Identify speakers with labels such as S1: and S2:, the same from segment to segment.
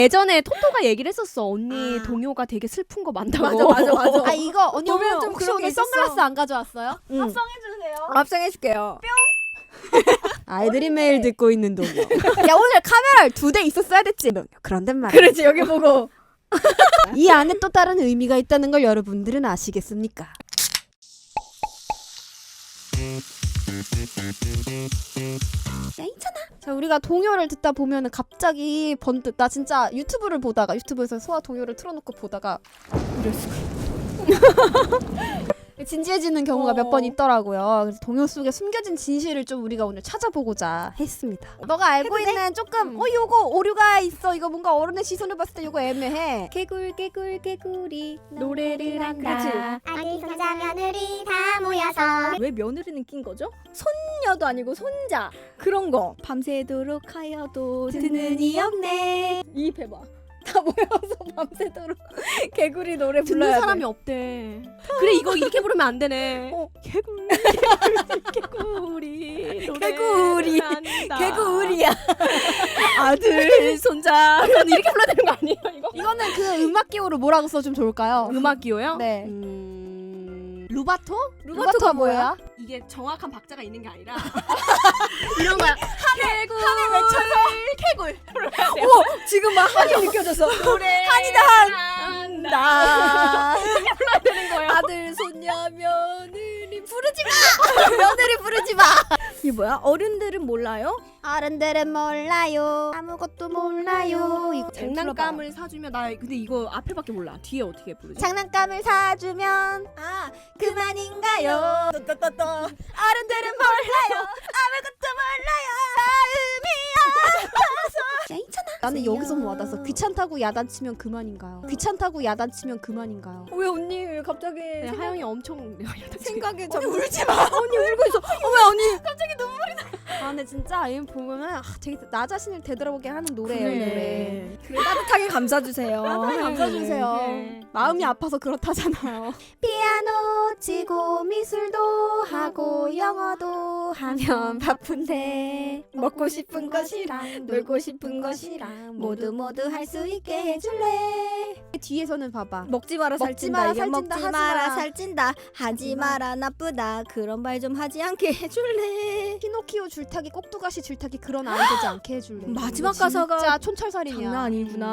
S1: 예전에 토토가 얘기를 했었어. 언니 동요가 되게 슬픈 거 많다고.
S2: 맞아.
S3: 아 이거 언니
S2: 보면
S3: 오늘
S2: 좀
S3: 혹시
S2: 그런
S3: 오늘
S2: 게 있었어.
S3: 선글라스 안 가져왔어요?
S2: 합성해주세요.
S3: 합성해줄게요.
S2: 아이들이 매일 듣고 있는 동요.
S3: 야 오늘 카메라 2대 있었어야 됐지. 그런데 말이야.
S2: 그렇지 여기 보고.
S3: 이 안에 또 다른 의미가 있다는 걸 여러분들은 아시겠습니까? 야 있잖아. 자 우리가 동요를 듣다 보면은 갑자기 번뜩 나 진짜 유튜브를 보다가 유튜브에서 소아 동요를 틀어놓고 보다가 이랬어. 진지해지는 경우가 몇 번 있더라고요. 그래서 동요 속에 숨겨진 진실을 좀 우리가 오늘 찾아보고자 했습니다. 너가 알고 있는 조금 요거 오류가 있어. 이거 뭔가 어른의 시선을 봤을 때 요거 애매해. 개구리 노래를 한다.
S4: 아기 손자 며느리 다 모여서
S2: 왜 며느리는 낀 거죠? 손녀도 아니고 손자 그런 거.
S3: 밤새도록 하여도 듣는 이 없네.
S2: 이 배봐. 다 모여서 밤새도록 개구리 노래
S1: 듣는
S2: 불러야
S1: 사람이
S2: 돼.
S1: 없대. 그래 이거 이렇게 부르면 안 되네. 개구리
S2: 개구리.
S1: 한다.
S2: 개구리야.
S1: 아들 손자 이렇게 불러야 되는 거 아니에요 이거?
S3: 이거는 그 음악 기호를 뭐라고 써주면 좋을까요?
S1: 음악 기호요?
S3: 네.
S1: 루바토?
S3: 루바토가 뭐야?
S1: 이게 정확한 박자가 있는 게 아니라 이런 거야. 개굴 개굴
S2: 지금 막 한이 느껴졌어.
S1: 노래
S2: 한이다,
S1: 한다 불러야 되는 거예요.
S2: 아들 손녀 며느리 부르지 마. 며느리 부르지 마. 이게 뭐야? 어른들은 몰라요?
S3: 어른들은 몰라요. 아무것도 몰라요. 이거
S1: 장난감을 사주면 나 근데 이거 앞에밖에 몰라. 뒤에 어떻게 부르지?
S3: 장난감을 사주면
S2: 아
S3: 그만인가요?
S2: 떠떠떠떠.
S3: 어른들은 몰라요. 아무것도 몰라요. 마음이 아파서. 야 있잖아. 나는 여기서 와닿았어. 귀찮다고 야단치면 그만인가요? 귀찮다고 야단치면 그만인가요?
S2: 왜 언니 왜 갑자기
S1: 네, 하영이 엄청
S2: 생각에 언니 울지 마. 언니 울고 있어. 왜 언니?
S3: 아 근데 진짜 이 보면은 되게 나 자신을 되돌아보게 하는 노래예요. 노래.
S2: 따뜻하게 감싸주세요.
S3: 감싸주세요.
S1: 네.
S3: 마음이 아파서 그렇다잖아요. 피아노 치고 미술도 하고 영어도 하면 바쁜데 먹고 싶은 것이랑 놀고 싶은 것이랑 모두 할 수 있게 해줄래. 뒤에서는 봐봐.
S2: 먹지 마라
S3: 먹지
S2: 살찐다.
S3: 마라,
S2: 이게
S3: 살찐다,
S2: 먹지
S3: 하지
S2: 마라
S3: 마라.
S2: 살찐다. 하지 마라 나쁘다. 그런 말 좀 하지 않게 해줄래.
S3: 피노키오 줄타기 꼭두가시 줄타기 그런 아이 되지 않게 해줄래.
S2: 마지막
S3: 이거
S2: 가사가
S3: 진짜 촌철살인이야.
S2: 장난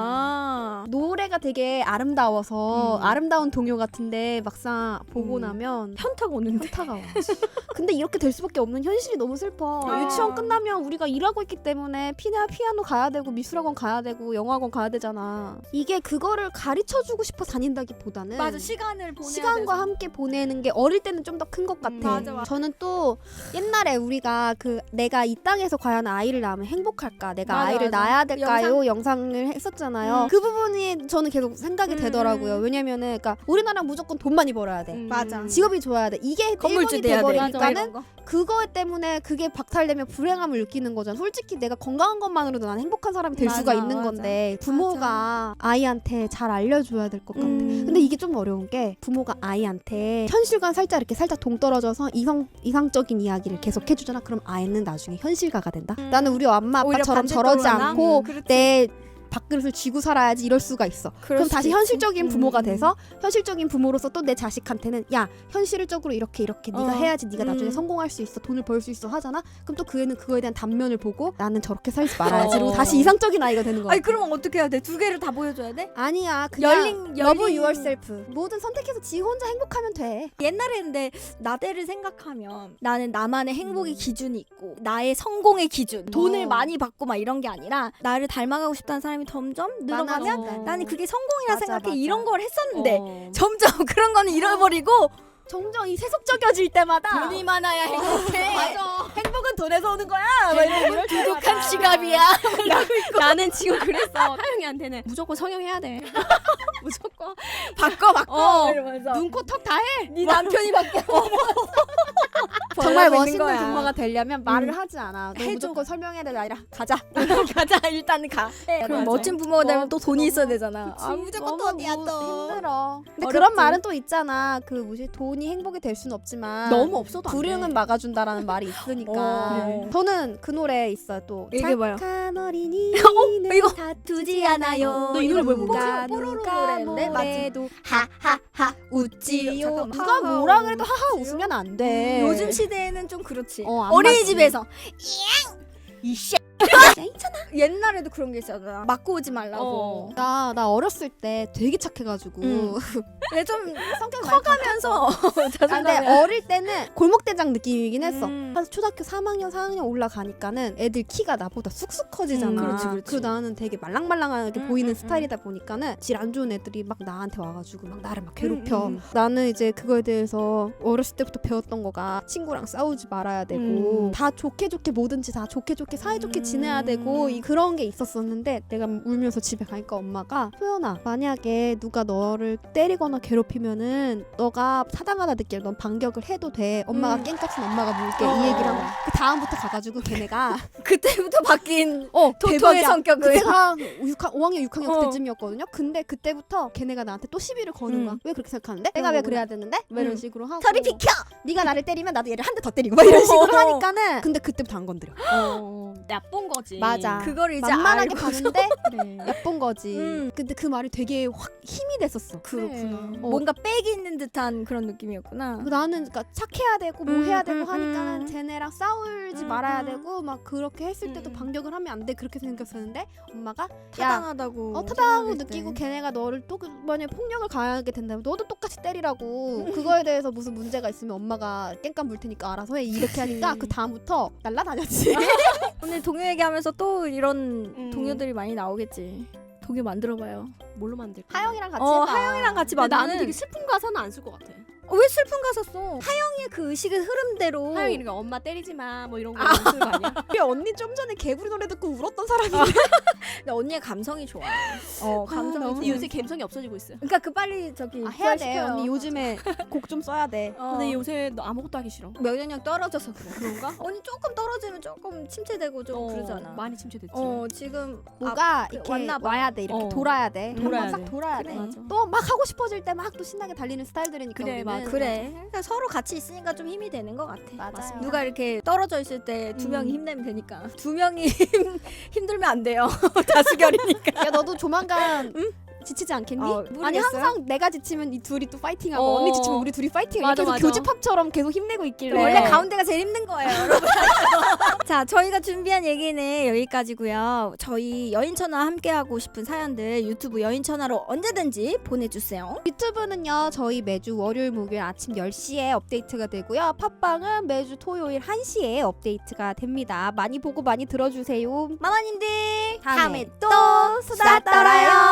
S2: 아니구나.
S3: 노래가 되게 아름다워서 아름다운 동요 같은데 막상 보고 나면
S2: 현타가 오는데.
S3: 현타가 와. 근데 이렇게 될 수밖에 없는 현실이 너무 슬퍼.
S2: 아.
S3: 유치원 끝나면 우리가 일하고 있기 때문에 피아노 가야 되고 미술학원 가야 되고 영어학원 가야 되잖아. 이게 그거를 가르쳐주고 싶어 다닌다기보다는
S2: 맞아 시간을 보내야
S3: 시간과
S2: 돼서.
S3: 함께 보내는 게 어릴 때는 좀 더 큰 것 같아.
S2: 맞아.
S3: 저는 또 옛날에 우리가 그 내가 이 땅에서 과연 아이를 낳으면 행복할까? 내가
S2: 맞아,
S3: 아이를
S2: 맞아.
S3: 낳아야 될까요? 영상을 했었잖아요. 그 부분이 저는 계속 생각이 되더라고요. 왜냐면은 그러니까 우리나라 무조건 돈 많이 벌어야 돼.
S2: 맞아.
S3: 직업이 좋아야 돼. 이게
S2: 건물주
S3: 일본이
S2: 돼야 돼.
S3: 돼버리니까는 그거 때문에 그게 박탈되면 불행함을 느끼는 거잖아. 솔직히 내가 건강한 것만으로도 난 행복한 사람이 될
S2: 맞아,
S3: 수가 있는
S2: 맞아.
S3: 건데 부모가 아이한테 잘 알려줘야 될 것 같아. 근데 이게 좀 어려운 게 부모가 아이한테 현실과 살짝 동떨어져서 이상적인 이야기를 계속 해주잖아. 그럼 아이는 나중에 현실가가 된다. 나는 우리 엄마
S2: 오히려
S3: 아빠처럼
S2: 반대로
S3: 저러지
S2: 하나?
S3: 않고
S2: 그렇지.
S3: 내 밥그릇을 쥐고 살아야지 이럴 수가 있어. 그럼
S2: 수도
S3: 다시
S2: 있지.
S3: 현실적인 부모가 돼서 현실적인 부모로서 또 내 자식한테는 야 현실적으로 이렇게 네가 해야지 네가 나중에 성공할 수 있어 돈을 벌 수 있어 하잖아. 그럼 또 그 애는 그거에 대한 단면을 보고 나는 저렇게 살지 말아야지 그리고 다시 이상적인 아이가 되는 거야.
S2: 아니 그러면 어떻게 해야 돼? 두 개를 다 보여줘야 돼?
S3: 아니야 그냥 love
S2: 열린-
S3: yourself. 뭐든 선택해서 지 혼자 행복하면 돼.
S2: 옛날에 근데 나대를 생각하면 나는 나만의 행복의 기준이 있고 나의 성공의 기준 돈을 많이 받고 막 이런 게 아니라 나를 닮아가고 싶다는 사람이 점점 늘어가면
S3: 많아진다.
S2: 나는 그게 성공이라
S3: 맞아,
S2: 생각해.
S3: 맞아.
S2: 이런 걸 했었는데 점점 그런 거는 잃어버리고
S3: 점점 이 세속적여질 때마다
S2: 돈이 많아야 행복해.
S3: 맞아.
S2: 행복은 돈에서 오는 거야. 막 이런 두둑한 지갑이야.
S1: 나는 지금 그랬어. 하영이한테는 무조건 성형해야 돼. 무조건
S2: 바꿔
S1: 어.
S2: 이러면서
S1: 눈, 코, 턱 다 해.
S2: 네 남편이 바뀌어.
S3: 정말
S2: 벌어지는
S3: 멋있는
S2: 거야.
S3: 부모가 되려면 말을 하지 않아. 너
S2: 해줘.
S3: 무조건 설명해야 되는 아니라 가자.
S2: 가자 일단 가. 그럼
S1: 맞아.
S2: 멋진 부모가 되면 또 돈이 있어야 되잖아.
S3: 그치.
S2: 아 무조건
S3: 너무
S2: 돈이야 또.
S3: 힘들어. 근데
S2: 어렵지.
S3: 그런 말은 또 있잖아. 그 뭐지 돈이 행복이 될 수는 없지만
S1: 너무 없어도 안 돼.
S3: 불행은 막아준다라는 말이 있으니까.
S2: 그래.
S3: 저는 그 노래 있어요 또.
S2: 얘기해봐요.
S3: 착한 어린이.
S2: 이거
S3: 다투지 않아요.
S1: 너 이 노래 왜 모르지?
S3: 누가
S2: 뽀로로
S3: 누가
S2: 노래인데?
S3: 뭐래도 하하하 웃지요.
S2: 잠깐만.
S3: 누가
S2: 하하,
S3: 뭐라 그래도 하하
S2: 웃지요?
S3: 웃으면 안 돼.
S2: 요즘 시대에는 좀 그렇지.
S3: 안
S2: 어린이집에서
S3: 맞지.
S2: 이씨 옛날에도 그런 게 있었잖아. 맞고 오지 말라고.
S3: 나 어렸을 때 되게 착해가지고
S2: 근데 좀
S3: 성격
S2: 커가면서
S3: 아, 근데
S2: 자존감이
S3: 어릴 때는 골목대장 느낌이긴 했어.
S2: 음.
S3: 한 초등학교 3학년 4학년 올라가니까는 애들 키가 나보다 쑥쑥 커지잖아.
S2: 그렇지.
S3: 그리고 나는 되게 말랑말랑하게 보이는
S2: 음.
S3: 스타일이다 보니까는 질 안 좋은 애들이 막 나한테 와가지고 막 나를 막 괴롭혀.
S2: 음.
S3: 나는 이제 그거에 대해서 어렸을 때부터 배웠던 거가 친구랑 싸우지 말아야 되고 다 좋게 뭐든지 다 좋게 사이좋게 지내야 되고 그런 게 있었었는데 내가 울면서 집에 가니까 엄마가 소연아 만약에 누가 너를 때리거나 괴롭히면은 너가 타당하다 느끼면 넌 반격을 해도 돼. 엄마가 깽값은 엄마가 물게 이 얘기를 하고 그 다음부터 가가지고 걔네가
S2: 그때부터 바뀐 토토의
S3: 대박이야.
S2: 성격을.
S3: 그때가 5학년 6학년
S2: 어.
S3: 그때쯤이었거든요. 근데 그때부터 걔네가 나한테 또 시비를 거는 거야. 왜 그렇게 생각하는데? 내가 왜 그래야 되는데? 왜 이런 식으로 하고
S2: 저리 비켜.
S3: 네가 나를 때리면 나도 얘를 한 대 더 때리고 막 이런 식으로 하니까는 근데 그때부터 안 건드려.
S1: 나쁜 거지.
S3: 맞아.
S2: 그걸 이제
S3: 만만하게
S2: 알고.
S3: 봤는데
S1: 그래.
S3: 예쁜 거지. 근데 그 말이 되게 확 힘이 됐었어.
S2: 그렇구나.
S3: 어.
S2: 뭔가 빽이 있는 듯한 그런 느낌이었구나.
S3: 나는 그러니까 착해야 되고 뭐 해야 되고 하니까
S2: 음.
S3: 쟤네랑 싸울지 말아야 되고 막 그렇게 했을 때도
S2: 음.
S3: 반격을 하면 안 돼 그렇게 생각했었는데 엄마가 야
S2: 타당하다고.
S3: 타당하고
S2: 생각했을
S3: 느끼고
S2: 때.
S3: 걔네가 너를 또 만약에 폭력을 가하게 된다면 너도 똑같이 때리라고 그거에 대해서 무슨 문제가 있으면 엄마가 깽깐 물 테니까 알아서 해 이렇게 하니까 그 다음부터 날라다녔지.
S2: 오늘 동요 얘기하면서 또 이런
S1: 음.
S2: 동요들이 많이 나오겠지. 동요 만들어봐요.
S1: 뭘로 만들까?
S3: 하영이랑 같이 해봐.
S2: 하영이랑 같이
S1: 근데
S2: 만드는.
S1: 나는 되게 슬픈 가사는 안 쓸 것 같아.
S2: 왜 슬픈 가사 써? 하영이의 그 의식의 흐름대로.
S1: 하영이 그러니까 엄마 때리지 마 뭐 이런 거 쓰는 거 아니야?
S3: 우리 언니 좀 전에 개구리 노래 듣고 울었던 사람인데.
S2: 근데 언니의 감성이 좋아. 감성이
S3: 너무
S2: 좋아.
S1: 근데 요새 감성이 없어지고 있어요.
S2: 그러니까 그 빨리 저기
S3: 해야 돼
S2: 부활시켜요.
S3: 언니 요즘에 곡 좀 써야 돼.
S1: 근데 요새 너 아무것도 하기 싫어.
S2: 면역력 떨어져서 그래.
S1: 그런가?
S2: 언니 조금 떨어지면 조금 침체되고 좀 그러잖아.
S1: 많이 침체됐지.
S2: 지금
S3: 뭐가
S2: 그
S3: 이렇게
S2: 왔나 봐.
S3: 와야 돼 이렇게
S1: 어.
S3: 돌아야 돼.
S1: 돌아야
S3: 한번 싹
S1: 돼.
S3: 돌아야
S2: 그래.
S3: 돼.
S1: 맞아.
S3: 또 막 하고 싶어질 때 막 또 신나게 달리는 스타일들이니까
S1: 그래,
S3: 우리는.
S1: 맞아.
S2: 그래. 그러니까 서로 같이 있으니까 좀 힘이 되는 것 같아.
S3: 맞아요.
S2: 누가 이렇게 떨어져 있을 때 두 명이 힘내면 되니까. 두 명이 힘들면 안 돼요. 다수결이니까.
S3: 야 너도 조만간 지치지 않겠니?
S2: 모르겠어요.
S3: 아니 항상 내가 지치면 이 둘이 또 파이팅하고
S1: 어.
S3: 언니 지치면 우리 둘이 파이팅.
S1: 맞아,
S3: 이렇게 해서
S1: 맞아.
S3: 교집합처럼 계속 힘내고 있길래.
S2: 원래 가운데가 제일 힘든 거예요, 여러분. 자, 저희가 준비한 얘기는 여기까지고요. 저희 여인천하 함께하고 싶은 사연들 유튜브 여인천하로 언제든지 보내주세요.
S3: 유튜브는요 저희 매주 월요일 목요일 아침 10시에 업데이트가 되고요. 팟빵은 매주 토요일 1시에 업데이트가 됩니다. 많이 보고 많이 들어주세요.
S2: 마마님들
S3: 다음에
S2: 또
S3: 수다 떨어요.